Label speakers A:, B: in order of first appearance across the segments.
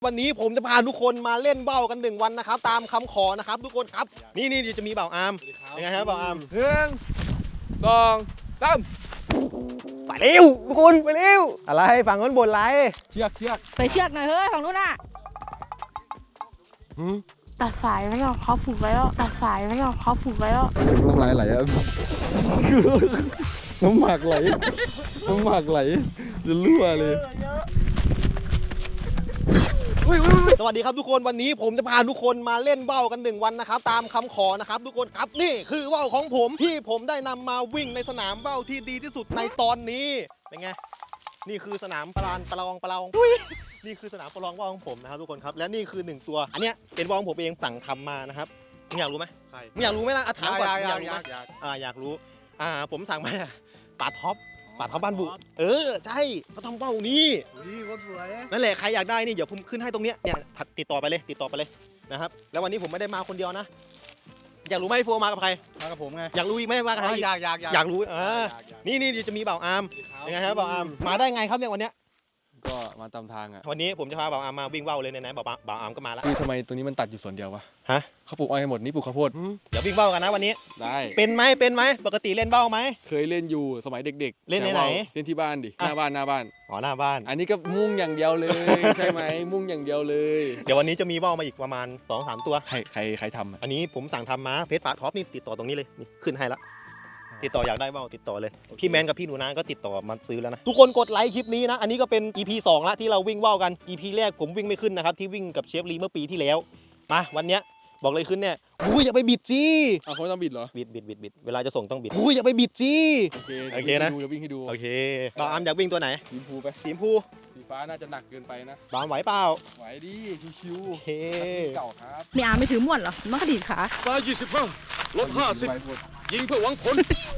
A: วันนี้ผมจะพาทุกคนมาเล่นเบ้ากัน1 วันนะครับตามคำขอนะครับทุกคนครับนี่จะมีเบ่าวอาร์มยังไงครับเบ่าวอาร์ม
B: 1 2 3
A: ไปเร็วทุกคนไปเร็วอะไรฝั่งนู้นบ่นไร
B: เชือก
C: ไปเชือกหน่อยเฮ้ยของนู้นน่ะตัดสายไม่ออกเขาฝึกไว้แล้วตัดสายไม่ออกเขาฝึกไว้แล้ว
B: น้ำลายไหลอะน้ำหมากไหลจะรั่วเลย
A: สวัสดีครับทุกคนวันนี้ผมจะพาทุกคนมาเล่นเบ้ากัน1 วันนะครับตามคำขอนะครับทุกคนครับนี่คือเบ้าของผมที่ผมได้นำมาวิ่งในสนามเบ้าที่ดีที่สุดในตอนนี้เป็นไงนี่คือสนามประลองนี่คือสนามประลองเบ้าของผมนะครับทุกคนครับและนี่คือ1 ตัวอันเนี้ยเป็นเบ้าของผมเองสั่งทำมานะครับมึงอยากรู้ไหมใช่มึงอยากรู้ไหมล่ะถามก่อนอยากรู้ผมสั่งมาปลาท็อปบ้านบุใช่เขาทำเบ้านี้นั่นแหละใครอยากได้นี่เดี๋ยวผมขึ้นให้ตรงเนี้ยเนี่ยติดต่อไปเลยนะครับแล้ววันนี้ผมไม่ได้มาคนเดียวนะอยากรู้ไหมโฟมากับใคร
B: มากับผมไง
A: อยากรู้อีกไหมมากับใครอยากรู้นี่จะมีเบ่าวอาร์มยังไงครับเบ่าวอาร์มมาได้ไงครับเนี่ยวันเนี้ย
B: ก็มาตามทางอ่ะ
A: วันนี้ผมจะพาเบ่าวอาร์มมาวิ่งเบ้าเลยนะเบ่าวอาร์มก็มาแล้ว
B: คือทำไมตรงนี้มันตัดอยู่ส่วนเดียววะ
A: ฮะ
B: เขาปลูกอ้อยหมดนี่ปลูกข้าวโพด
A: เดี๋ยววิ่งเบ้ากันนะวันนี้
B: ได้
A: เป็นไหมปกติเล่นเบ้าไหม
B: เคยเล่นอยู่สมัยเด็ก
A: ๆเล่นไหน
B: เล่นที่บ้านดิหน้าบ้าน
A: อ๋อหน้าบ้าน
B: อันนี้ก็มุ่งอย่างเดียวเลยใช่ไหมมุ่งอย่างเดียวเลย
A: เดี๋ยววันนี้จะมีเบ้ามาอีกประมาณ 2-3 ตัว
B: ใครทำ
A: อันนี้ผมสั่งทำมาเฟซปาท็อปนี่ติดต่อตรงนี้เลยนี่ขึ้นให้ละติดต่ออยากได้เบ้าติดต่อเลยพี่แมนกับพี่หนูนาก็ติดต่อมาซื้อแล้วนะทุกคนกดไลค์คลิปนี้นะอันนี้ก็เป็น EP 2ละที่เราวิ่งเบ้ากัน EP แรกผมวิ่งไม่ขึ้นนะครับที่วิ่งกับเชฟลีเมื่อปีที่แล้วมาวันเนี้ยบอกเลยขึ้นเนี่ยอย่าไปบิดจี้
B: เขาไม่ต้องบิดเหรอ
A: บิดเวลาจะส่งต้องบิดอย่าไปบิดจี้โอเคนะ
B: จะวิ่งให้ดู
A: โอเคบ่าวอาร์มอยากวิ่งตัวไหน
B: สีชมพูไป
A: สีชมพู
B: สีฟ้าน่าจะหนักเกินไปนะ
A: บ่าวไหวเปล่า
B: ไหวดิชิวๆ
A: โอเค
B: เก่าครับ
C: ไม่อาร์มไม่ถือม่วนเหรอมันก็ดีขา
D: ซ้าย25 ลบ 50ยิงเพื่อหวังผล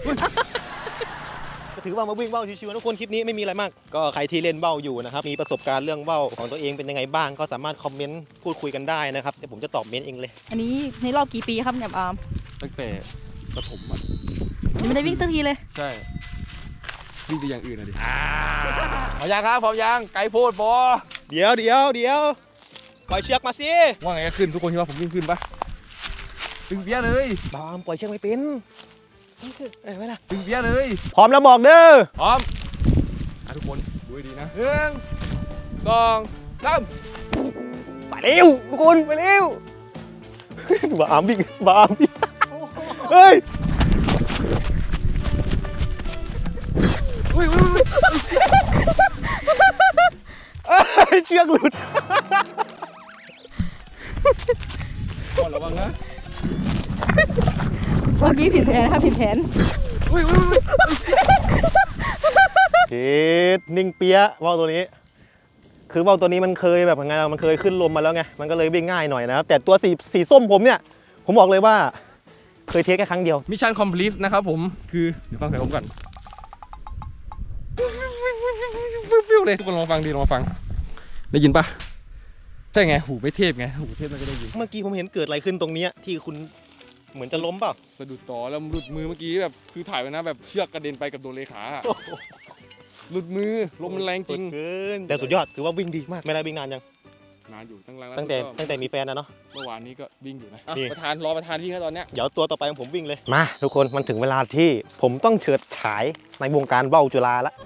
A: ก็ถือว่ามาวิ่งเบ้าชิวๆทุกคนคลิปนี้ไม่มีอะไรมากก็ใครที่เล่นเบ้าอยู่นะครับมีประสบการณ์เรื่องเบ้าของตัวเองเป็นยังไงบ้างก็สามารถคอมเมนต์พูดคุยกันได้นะครับเดี๋ยวผมจะตอบเมนต์เองเลย
C: อันนี้ในรอบกี่ปีครับเนี่ยอาร์ม
B: ตั้งแต่ประถมอ่ะ
C: ยังไม่ได้วิ่งสักทีเลย
B: ใช่วิ่งไปอย่างอื่นอ่ะดิพร้อมยังครับพร้อมยังไกลโพดบอ
A: เดี๋ยวปล่อยเชือกมาสิ
B: ว่าไงก็ขึ้นทุกคนคิดว่าผมวิ่งขึ้นปะตึงเปี้ยเลย
A: บ่าวปล่อยเชือกไม่เป็นไม่ล่ะ
B: ตึงเปี้ยเลย
A: พร้อมแล้วบอกเด้อ
B: พร้อมทุกคนดูดีนะ1 2 3
A: ไปเร็วทุกคนไปเร็วบ่าวอาร์มวิ่งเฮ้ยเชือกหลุด
B: ก่อนระวังนะ
C: เมื่อกี้ผิดแผนครับผิดแผน
A: นิ่งเปี้ยว่าวตัวนี้คือว่าวตัวนี้มันเคยแบบไงมันเคยขึ้นลมมาแล้วไงมันก็เลยวิ่งง่ายหน่อยนะครับแต่ตัวสีส้มผมเนี่ยผมบอกเลยว่าเคยเทสแค่ครั้งเดียว
B: มิชชั่นคอมพลีทนะครับผมคือเดี๋ยวฟังเสียงผมก่อนฟิวเลยทุกคนลองฟังได้ยินปะใช่ไงหูไม่เทพไงหูเทพมันก็ได้ยิน
A: เมื่อกี้ผมเห็นเกิดอะไรขึ้นตรงนี้ที่คุณเหมือนจะล้มเปล่า
B: สะดุดต่อแล้วหลุดมือเมื่อกี้แบบคือถ่ายไว้นะแบบเชือกกระเด็นไปกับโดนเลขาหลุดมือลมมันแรงจริง
A: แต่สุดยอดถือว่าวิ่งดีมากไม่ได้วิ่งนานยัง
B: นานอยู่
A: ตั้งแต่มีแฟนนะเนาะ
B: เมื่อวานนี้ก็วิ่งอยู่นะประธานวิ่งแล้วตอนเนี้ย
A: เดี๋ยวตัวต่อไปของผมวิ่งเลยมาทุกคนมันถึงเวลาที่ผมต้องเฉิดฉายในวงการเบ้าจุฬาละ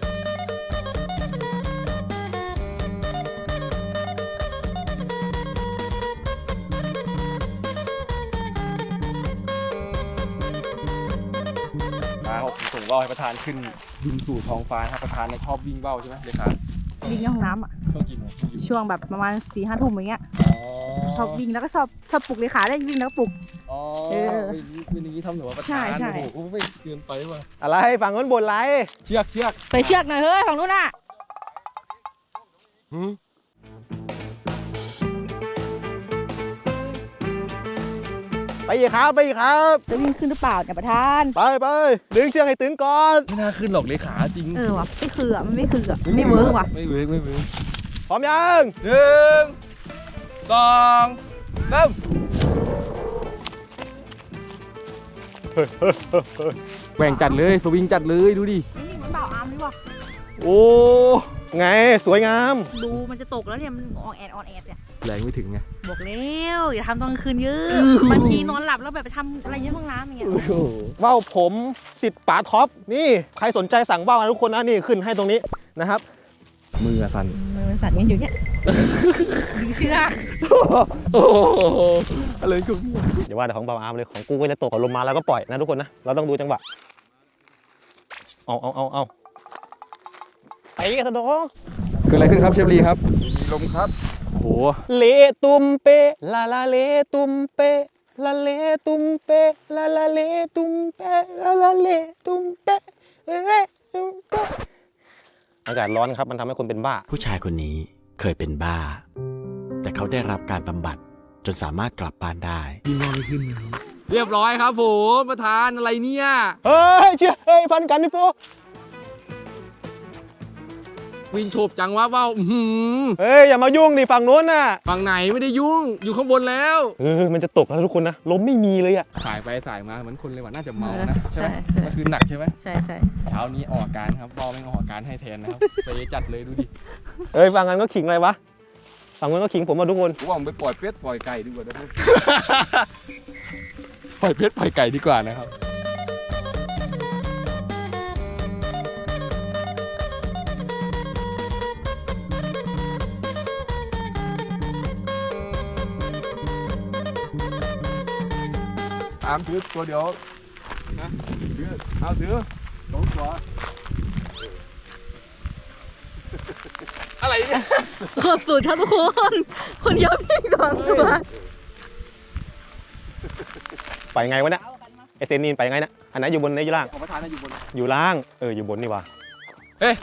B: ส่งเบ้าให้ประธานขึ้นบินสู่ท้องฟ้าครับประธานในชอบวิ่งเบ้าใช่ไหมเลขา
C: วิ่งในห้องน้ำอ่ะช่วงแบบประมาณ4-5 ทุ่มอย่างเงี้ยชอบวิ่งแล้วก็ชอบปลุกเลขาได้วิ่งแล้วปลุก
B: เป็นอย่างนี้ทำหนูว่าประธานโอ้โหไม่เกินไปว่ะ
A: อะไรฝั่งนู้นบ่นไร
B: เชือก
C: ไปเชือกหน่อยเฮ้ยของนู้นน่ะ
A: ไปอีกครับ
C: จะวิ่งขึ้นหรือเปล่าเนี่ยประธาน
A: ไปดึงเชือกให้ตึงก่อน
B: ไม่น่าขึ้นหรอกเลขาจริง
C: ว่ะไม่คือมันไม่คือไม่เวิร์กว่ะ
B: ไม่เวิร์ก
A: พร้อมยัง
B: 1 2 3แหว่งจัดเลยสวิงจัดเลยดูดิ
C: นี่เหมือนเบาอาร์มดีว่ะ
B: โอ้
A: ไงสวยงาม
C: ดูมันจะตกแล้วเนี่ยมันออนแอดเนี่ย
B: แรงไม่ถึงไง
C: บอกแล้วอย่าทำตอนกลางคืนเยอะบางทีนอนหลับแล้วแบบไปทำอะไรเยอะห้องน้ำอย่างเงี้ย
A: ว่าวผมสิทธิ์ป๋าท็อปนี่ใครสนใจสั่งว่าวนะทุกคนนะนี่ขึ้นให้ตรงนี้นะครับ
B: มือสั่น
C: มันสั่นกันอยู่เนี่ยดึงเชือก
B: โอ้โหอะไรกู
A: อย่าว่าแต่ของเบาอาร์มเลยของกูก็จะตกลงมาแล้วก็ปล่อยนะทุกคนนะเราต้องดูจังหวะเอาไอ้กระสะดอ
B: เกิดอะไรขึ้นครับเชฟลีครับมีลมครับโอ้โห
A: เลตุมเปลาลาเลตุมเปลาเลตุมเปลาลาเลตุมเปลาลาเลตุมเปตุมเปอากาศร้อนครับมันทำให้คนเป็นบ้า
E: ผู้ชายคนนี้เคยเป็นบ้า แต่เขาได้รับการบำบัดจนสามารถกลับบ้านได้
B: เรียบร้อยครับผมประธานอะไรเนี่ย
A: เฮ้ยเชื่อเฮ้ยพันกันนี่โฟ
B: วินโฉบจังวะเปล่า
A: เฮ้ยอย่ามายุ่งดิฝั่งโน้นน่ะ
B: ฝั่งไหนไม่ได้ยุ่งอยู่ข้างบนแล้ว
A: มันจะตกแล้วทุกคนนะลมไม่มีเลยอ่ะ
B: สายไปสายมาเหมือนคนเลยว่ะน่าจะเมานะใช่ไหมเมื่อคืนหนักใช่ไหม
C: ใช่
B: เช้านี้ออกอาการครับบอลไม่ออกอาการให้แทนนะครับเซจัดเลยดูดิ
A: เฮ้ยฝั่งนั้นก็ขิงอะไรวะฝั่งนั้นก็ขิงผมมาทุกคน
B: ผมว่าผมไปปล่อยเป็ดปล่อยไก่ดีกว่านะพวก ปล่อยเป็ดปล่อยไก่ดีกว่านะครับอามถือตัวเดียวนะถือเอาถือสองตัวอะไรเนี่ย
C: ขอบสุดครับทุกคนคนเดียวพี่สองตัว
A: ไปไงวะเนี่ยไอเซนีนไปไงนะอันไหนอยู่บนไหนอยู่ล่าง
B: ของประธานน่ะอยู่บน
A: อยู่ล่างอยู่บนนี่วะ
B: เฮ้ย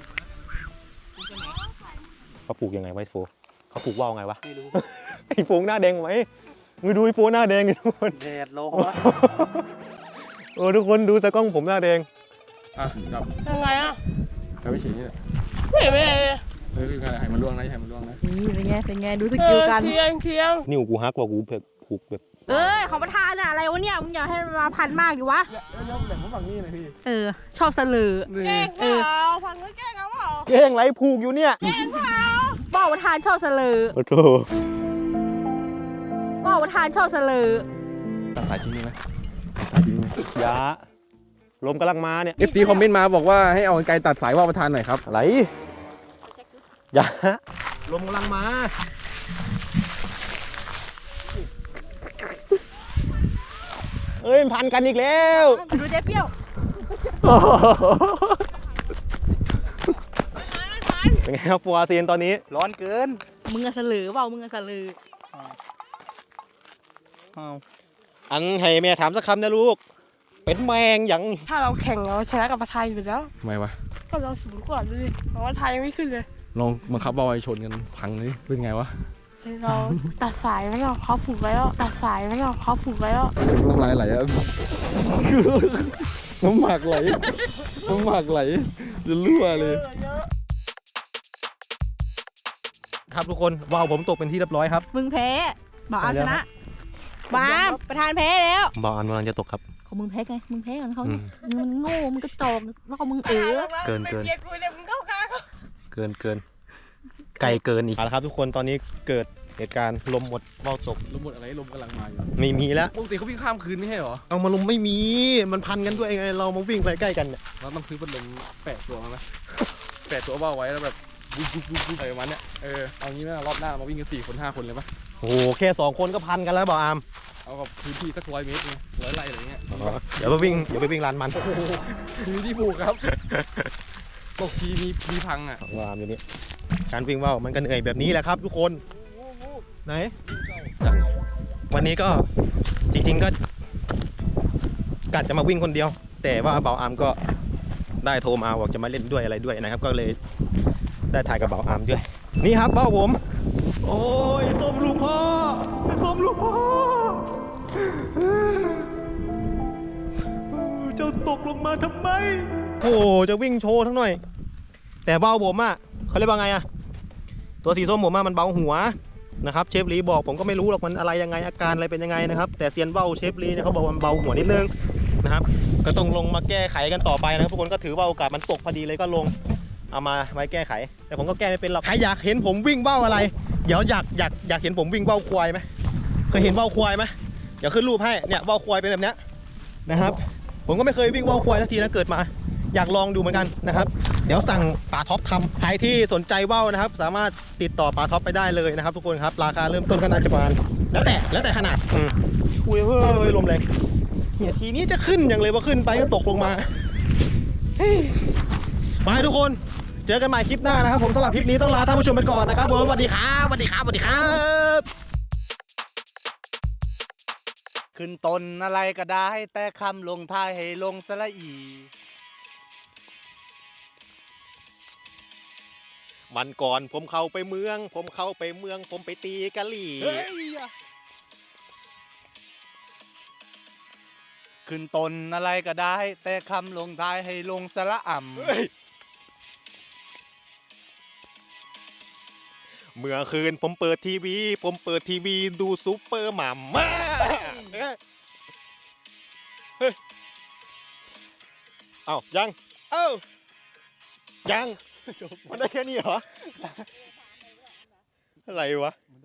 A: เขาปลูกยังไงไวะไอ้โฟเขาปลูกว่าวไงวะไม่รู้ ไอโฟหน้าแดงไหมมึงดูไอโฟหน้าแดงดิทุกคนแดดร้อนทุกคนดูแต่กล้องผมหน้าแดง
B: อ่ะจับ
F: ยังไงอ่ะ
B: จับไปฉีนี่แหละ
F: ไม่เห็นเลย
B: เฮ้ยให้มันล่วงนะให้มันล่วงนะ
C: นี่เป็นไงดูสกิลกัน
F: เทียง
A: นิ้วกูฮักว่ากูแบบผูกแบบ
C: ของประธานอะอะไรวะเนี่ยมึงอย่าให้มันมาพันมากดิวะ
B: แล้วแบ่งมาฝั่งนี้หน่อยพี่
C: ชอบเสลือ
F: แกล้งเปล่าฟังแล้วแกล้งเอาเปล่า
A: แย่งไรผูกอยู่เนี่ย
C: บอกประธานชอบเสลือ
A: โอ้โห
C: บอกประธานชอบเสลือ
B: ตัดสายทิ้งไหมตัดสายทิ้งไหม
A: ยาลมกำลังมาเนี่ย
B: FT คอมเมนต์มาบอกว่าให้เอากรรไกรตัดสายว่าวประธานหน่อยครับ
A: อะไรยาลมกำลังมาเอ้ยพันกันอีกแล้ว
C: ดูเจ๊เปรี้ยว
A: เป็นไงครับฟัวซีนตอนนี้ร้อนเกิน
C: มึงอะเสลือเปล่ามึงอะเสลือ
A: อันให้แม่ถามสักคำนะลูก เป็นแมงอย่าง
F: ถ้าเราแข่งเราชนะกับประธานอยู่แล้ว
B: ทำไมวะ
F: ก็เราสูงกว่าดูดิเพราะว่าไทยยังไม่ขึ้นเลย
B: ลองบังคับเอาไว้ชนกันพังเลยเป็นไงวะ
F: เราตัดสายไว้แล้วเขาฝึกไว้แล้วตัดสายไว้แล้วเขาฝึกไว้แล้ว
B: น้ำลายไหลอะน้ำหมากไหลน้ำหมากไหลจะรั่วเลย
A: ครับทุกคนว่าวผมตกเป็นที่เรียบร้อยครับ
C: มึงแพ้บอกเอาชนะบามประธานแพ้แล้ว
A: บอลกำลังจะตกครับ
C: ของมึงแพ้ไงมึงแพ้ก่อนเขาไงมึงมันโง่มึงกระจอกแล้วก็มึง
A: เกิน
F: เป็นเกียร์กูเนี่ยมึงเข้าข้างเขา
A: เกินไกลเกินอีกเอาละครับทุกคนตอนนี้เกิดเหตุการณ์ลมหมดว่าวตก
B: ลมหมดอะไรลมกำลังมาอยู่
A: ไม่มีแล้ว
B: ปกติเขาวิ่งข้ามคืนไม่ใช่เหรอ
A: เอามาลมไม่มีมันพันกันด้วยไงเรามาวิ่งใกล้ๆกันเนี่ย
B: เราต้องซื้อพัดลมแปะตัวมาไหมแปะตัวเบ้าไว้แล้วแบบบุ๊บบุ๊บบุ๊บบุ๊บอะไรประมาณเนี้ยเอางี้ไหมรอบหน้ามาวิ่งกัน4 คน 5 คนเลยปะ
A: โอ้โหแค่2 คนก็พันกันแล้วบอกอาร์ม
B: เอากับพื้นที่สัก100 เมตรไง100 ไร่อะไรเงี้ย
A: เดี๋ยวไปวิ่งลานมัน
B: มีที่ผูกครับตกทีมีพังอ่ะ
A: ว่าอาร์มอยู่นี่การวิ่งว่าวมันก็เหนื่อยแบบนี้แหละครับ ทุกคนไหนวันนี้ก็จริงๆก็กะจะมาวิ่งคนเดียว แต่ว่าเบาอาร์มก็ได้โทรมาบอกจะมาเล่นด้วยอะไรด้วยนะครับ ก็เลยได้ถ่ายกับเบาอาร์มด้วยนี่ครับเบ้าผม โอ้ยส้มลูกพ่อส้มลูกพ่อเจ้าตกลงมาทำไมโอ้จะวิ่งโชว์ทั้งหน่อย แต่เบ้าผมอ่ะเขาเรียกว่าไงอ่ะตัวสีส้มผมอ่ะมันเบาหัวนะครับเชฟลีบอกผมก็ไม่รู้หรอกมันอะไรยังไงอาการอะไรเป็นยังไงนะครับแต่เซียนเบ้าเชฟลีเนี่ยเขาบอกว่ามันเบาหัวนิดนึงนะครับก็ต้องลงมาแก้ไขกันต่อไปนะครับทุกคนก็ถือว่าโอกาสมันตกพอดีเลยก็ลงเอามาไว้แก้ไข แต่ผมก็แก้ไม่เป็นหรอกใครอยากเห็นผมวิ่งเบ้าอะไร เดี๋ยวอยากเห็นผมวิ่งเบ้าควายไหมเคยเห็นเบ้าควายไหมเดี๋ยวขึ้นรูปให้เนี่ยเบ้าควายเป็นแบบเนี้ยนะครับผมก็ไม่เคยวิ่งเบ้าควายสักทีนะเกิดมาอยากลองดูเหมือนกันนะครับเดี๋ยวสั่งป่าท็อปทำใครที่สนใจเบ้านะครับสามารถติดต่อป่าท็อปไปได้เลยนะครับทุกคนครับราคาเริ่มต้นก็น่าจะประมาณแล้วแต่ขนาดอุ้ยเฮ้ยลมแรงเนี่ยทีนี้จะขึ้นอย่างเลยว่าขึ้นไปก็ตกลงมาไปทุกคนเจอกันใหม่คลิปหน้านะครับผมสำหรับคลิปนี้ต้องลาท่านผู้ชมไปก่อนนะครับผมสวัสดีครับสวัสดีครับสวัสดีครับ
G: ขึ้นต้นอะไรก็ได้แต่คำลงท้ายให้ลงสระอี
A: มันก่อนผมเข้าไปเมือง ผมไปตีกะหรี่
G: ขึ้นต้นอะไรก็ได้แต่คำลงท้ายให้ลงสระอ่ำ
A: เมื่อคืนผมเปิดทีวีดูซุปเปอร์หม่ำมาเฮ้ยเอ้ายังยังมันได้แค่นี้เหรออะไรวะ